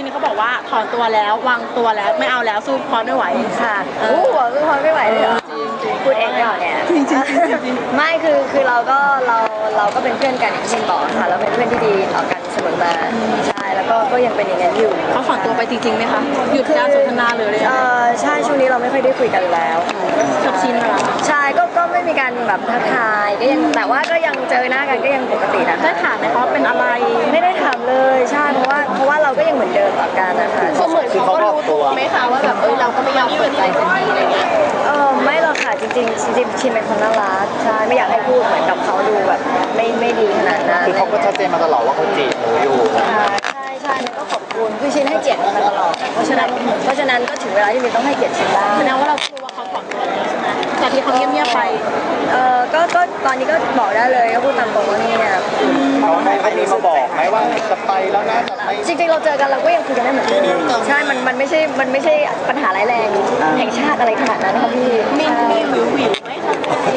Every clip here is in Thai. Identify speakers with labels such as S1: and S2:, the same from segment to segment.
S1: นี้เขาบอกว่าถอนตัวแล้ววางตัวแล้วไม่เอาแล้วสู้พอไม่ไหว
S2: ค่ะสู้พอไม่ไหวเลยเหรอจริงพูดเองไม่หรอเนี่ยจริงไม่คือเราก็เป็นเพื่อนกันอย่างที่บอกค่ะเราเป็นเพื่อนที่ดีต่อกันเสมอมาใช่แล้วก็ยังเป็นอย่างนั้นอยู่
S1: เขาถอนตัวไปจริงๆไหมคะหยุดการสนทนาเลย
S2: ใช่ช่วงนี้เราไม่ค่อยได้คุยกันแล้ว
S1: จบชินแล้ว
S2: ใช่ก็ไม่มีการแบบทักทายก็ยังแต่ว่าก็ยังเจอหน้ากันก็ยังปกตินะ
S1: ได้ถามไหมเขาเป็นอะไร
S2: ไม่ได้ถามเลยใช่เพราะว่าเราก็ยังเหมือนเดิมต่อกันนะคะ
S1: เหมือนเขารู้ตัวไหมคะว่าแบบเราก็ไม่ยอมเปิดใจสักทีอะไรเงี้ย
S2: ไม่หรอกค่ะจริงชินเป็นคนน่ารักใช่ไม่อยากให้พูดเหมือนกับเขาดูแบบไม่ดีขนาดนั้น
S3: คือเขาก็ชัดเจนมาตลอดว่าเขาจีบหนูอยู่
S2: ใช่ก็ขอบคุณคือชินให้เกียรติมาตลอดเพราะฉะนั้นก็ถึงเวลาที่มินต้องให้เกียรติชินบ้าง
S1: แสดงว่าเรารู้ว่าเขาถอนตัวแล้วใช่ไหมจากที่เขาเงียบๆไป
S2: ก็ตอนนี้ก็บอกได้เลยก็พูดตามตรงว่าเนี่ย
S3: เขามีมาบอกไหมว่าจะไปแล้วนะ
S2: จริงๆเราเจอกันเราก็ยังคุยกันได้เหมือนเดิมใช่มันไม่ใช่ปัญหาร้ายแรงแห่งชาติอะไรขนาดนั้นค่ะพี่
S1: มีวิวไหมคะ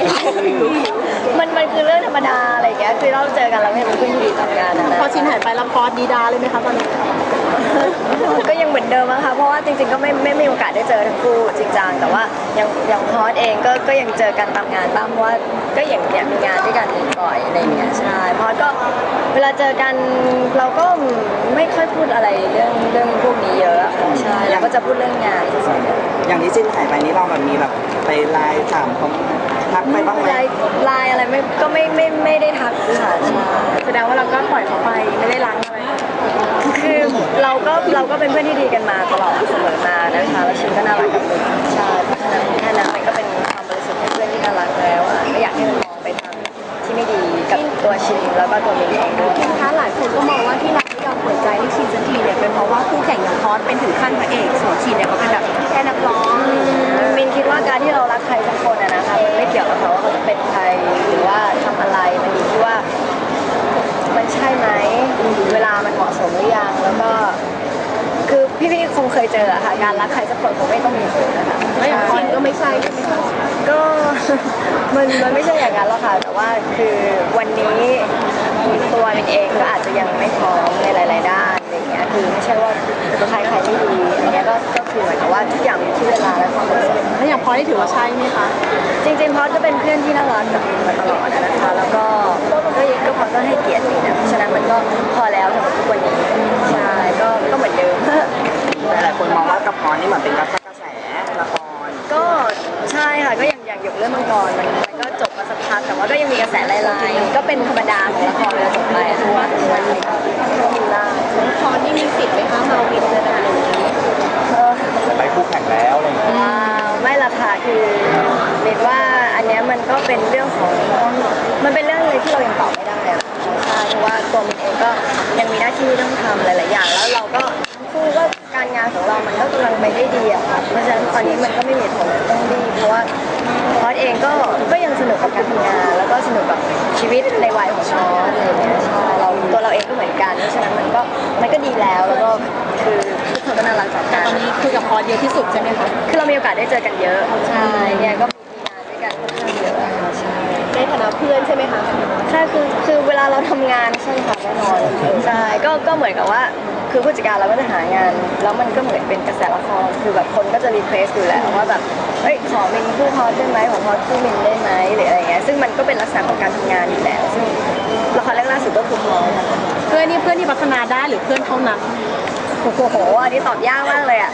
S2: มันคือเรื่องธรรมดาอะไรอย่างเงี้ยคือเราเจอกันเราไม่เป็นเพื่อนที่ดีต่อกันนะ
S1: พอชินหายไปแล้วพอดีดาเลยไหมคะตอนนี้
S2: ก็ยังเหมือนเดิมนะคะเพราะว่าจริงๆก็ไม่มีโอกาสได้เจอทั้งคู่จริงจังแต่ว่าอย่างพอดเองก็ยังเจอกันตามงานบ้างเพราะว่าก็อย่างมีงานด้วยกันบ่อยอะไรอย่างเงี้ยใช่พอดก็เวลาเจอกันเราก็ไม่ค่อยพูดอะไรเรื่องพวกนี้เยอะใช่เราก็จะพูดเรื่องงานส่วนใหญ่
S4: อย่างที่จินหายไปนี่เราแบบมีแบบไปไลน์ถามเขาทักไปบ้างไหม
S2: ไลน์อะไรไม่ได้ทักค่ะ
S1: แสดงว่าเราก็ปล่อยเขาไปไม่ได้ล้างอะไร
S2: คือเราก็เป็นเพื่อนที่ดีกันมาตลอดเสมอมานะคะแล้วชินก็น่ารักกับมินใช่เพราะฉะนั้นแค่นั้นมันก็เป็นความบริสุทธิ์ของเพื่อนที่น่ารักแล้วไม่อยากให้มันมองไปทางที่ไม่ดีกับตัวชินแล้วก็ตัวมินเองด้วย
S1: นะคะหลายคนก็มองว่าที่เราไม่ยอมเปิดใจให้ชินสักทีเนี่ยเป็นเพราะว่าคู่แข่งอย่างพอสเป็นถึงขั้นพระเอกส่วนชินเนี่ยเขาเป็นแบบแค่นักร้อง
S2: มินคิดว่าการที่เรารักใครสักคนนะคะมันไม่เกี่ยวกับเขาว่าเขาจะเป็นใครหรือว่าทำอะไรมันอยู่ที่ว่ามันใช่ไหมเวลามันเหมาะสมหรือยังแล้วก็คือพี่คงเคยเจอค่ะการรักใครสักคนคงไม่ต้องมีผลนะคะ
S1: แล้วอย่างชินก็ไม่ใช่ใช่ไหมคะ
S2: ก็มันไม่ใช่อย่างนั้นหรอกค่ะแต่ว่าคือวันนี้ตัวมินเองก็อาจจะยังไม่พร้อมในหลายๆด้านอะไรอย่างเงี้ยคือไม่ใช่ว่าใครไม่ดีอันนี้ก็คือเหมือนกับว่าทุกอย่างมีที่เวลาและความเหมาะสม
S1: แล้วอย่างพอได้ถือว่าใช่ไหมคะ
S2: จริงๆพอก็เป็นเพื่อนที่น่ารักกับมินมาตลอดนะคะแล้วก็พอก็ให้เกียรติมินนะเพราะฉะนั้นมันก็พอแล้วสำหรับทุกวันนี้ใช่ก็เหมือนเดิม
S4: หลายคนมองว่ากับพรนี่เหมือนเป็นกระแสละคร
S2: ก็ใช่ค่ะก็อย่างหยกเรื่องมังกรมันก็จบมาสักพักแต่ว่าก็ยังมีกระแสลายๆก็เป็นธรรมดาของละครเวลาจบไปทุกวันก็กินได้
S1: พอนี่มีสิทธิ์ไหมคะมาวินเลยนะ
S3: ไปคู่แข่งแล้วอะไรอย่างเงี้ย
S2: ไม่ละค่ะคือเมนว่าอันนี้มันก็เป็นเรื่องของมันเป็นเรื่องเลยที่เรายังตอบไม่ได้อะใช่เพราะว่าตัวมินเองก็ยังมีหน้าที่ต้องทำหลายๆอย่างแล้วเราก็คู่ก็การงานของเรามันก็กำลังไปได้ดีอะค่ะเพราะฉะนั้นตอนนี้มันก็ไม่มีผลต้องรีบเพราะว่าพอดเองก็ยังสนุกกับการทำงานแล้วก็สนุกกับชีวิตในวัยของพอดอะไรอย่างเงี้ยใช่ตัวเราเองก็เหมือนกันเพราะฉะนั้นมันก็ดีแล้วก็คือทุกคนก็น่ารักต่อกัน
S1: ตอนนี้คุยกับพอดเยอะที่สุดใช่ไหมคะ
S2: คือเรามีโอกาสได้เจอกันเยอะใช่เนี่ยก็มีงานด้วยกันค่อนข้างเยอะใช่
S1: ในฐานะเพื่อนใช่ไหมคะ
S2: ใช่คือเวลาเราทำงานใช่ค่ะแน่นอนใช่ก็เหมือนกับว่าคือผู้จัดการเราก็จะหางานแล้วมันก็เหมือนเป็นกระแสละครคือแบบคนก็จะรีเควสอยู่แล้วว่าแบบเฮ้ยขอมินคู่พอดได้ไหมขอพอดคู่มินได้ไหมหรืออะไรเงี้ยซึ่งมันก็เป็นลักษณะของการทำงานอยู่แล้วซึ่งละครแรกล่าสุดก็คือพอด
S1: เพื่อนที่พัฒนาได้หรือเพื่อนเท่านั้น
S2: โอ้โหอันนี้ตอบยากมากเลยอ่ะ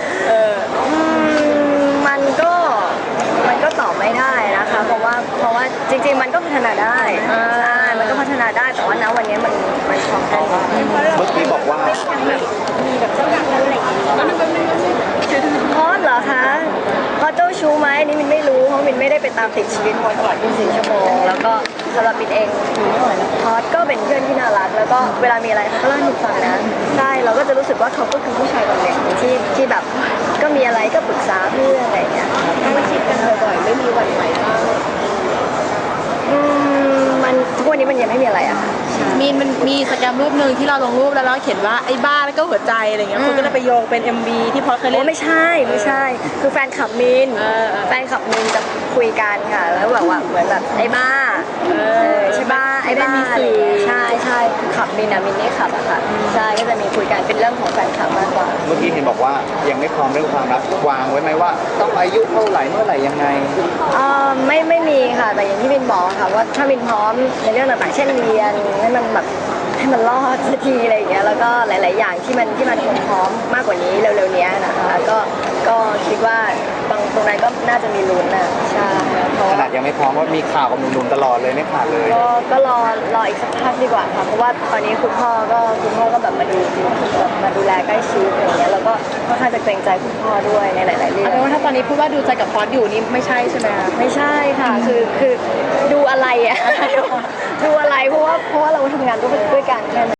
S2: มันก็ตอบไม่ได้นะคะเพราะว่าจริงๆมันก็พัฒนาได้ใช่มันก็พัฒนาได้แต่ว่าณวันนี้มันพอแค่นี้
S3: เมื่อกี้บอกว่า
S2: มีแบบเจ้าหญิงอะไรอย่างเงี้ยพอดเหรอคะพอเจ้าชู้ไหมนี่มินไม่รู้เพราะมินไม่ได้ไปตามติดชีวิตพอดตลอด24 ชั่วโมงแล้วก็สำหรับมินเองพอดก็เป็นเพื่อนที่น่ารักแล้วก็เวลามีอะไรเขาก็เล่าให้มินฟังนะใช่เราก็จะรู้สึกว่าเขาก็คือผู้ชายคนหนึ่งที่แบบก็มีอะไรก็ปรึกษาเพื่อนอะไรอย่างเงี้ย
S1: ไม่คิดกันบ่อยๆไม่มีวันไหวบ้าง
S2: มันทุกวันนี้มันยังไม่มีอะไรอะ
S1: มันมีสแกมรูปหนึ่งที่เราลงรูปแล้วเราเขียนว่าไอ้บ้าแล้วก็หัวใจอะไรเงี้ยคนก็เลยไปโยงเป็น MV ที่พอเคยเล่น
S2: ไม่ใช่คือแฟนคลับมินจะคุยกันค่ะแล้วแบบว่าเหมือนแบบไอ้บ้าใช่บ้าไอ้บ้าอะไรใช่คือขับมินนี่ขับอะค่ะใช่ก็จะมีคุยกันเป็นเรื่องของแฟนคลับมากกว่า
S3: มื่อกี้เห็นบอกว่ายังไม่พร้อมเรื่องความรักวางไว้ไหมว่าต้องอายุเท่าไหร่เมื่อไหร่ยังไง
S2: ไม่มีค่ะแต่อย่างที่บินบอกค่ะว่าถ้าบินพร้อมในเรื่องต่างๆเช่นเรียนให้มันแบบให้มันรอดสักทีอะไรอย่างเงี้ยแล้วก็หลายๆอย่างที่มันคงพร้อมมากกว่านี้เร็วๆเนี้ยนะคะก็คิดว่าบางตรงนั้นก็น่าจะมีลุ้นนะใช่เพราะ
S3: ข
S2: ว่า
S3: นาดยังไม่พร้อมว่ามีข่าวกับหนุ่มๆตลอดเลยไม่ขาดเลย
S2: ก็รออีกสักพักดีกว่าค่ะเพราะว่าตอนนี้คุณพ่อก็แบบมาดูแลใกล้ชิดอะไรอย่างเงี้ยแล้วก็ค่อนข้างจะเกรงใจคุณพ่อด้วยในหลายๆเรื่อ
S1: เอา
S2: ง
S1: เป็นว่าถ้าตอนนี้พูดว่าดูใจกับพอสอยู่นี่ไม่ใช่ใช่ไหมคะ
S2: ไม่ใช่ค่ะคือดูอะไรอ่ะ ดูอะไรเพราะว่าเราทำงานด้วยกันแค่นั้น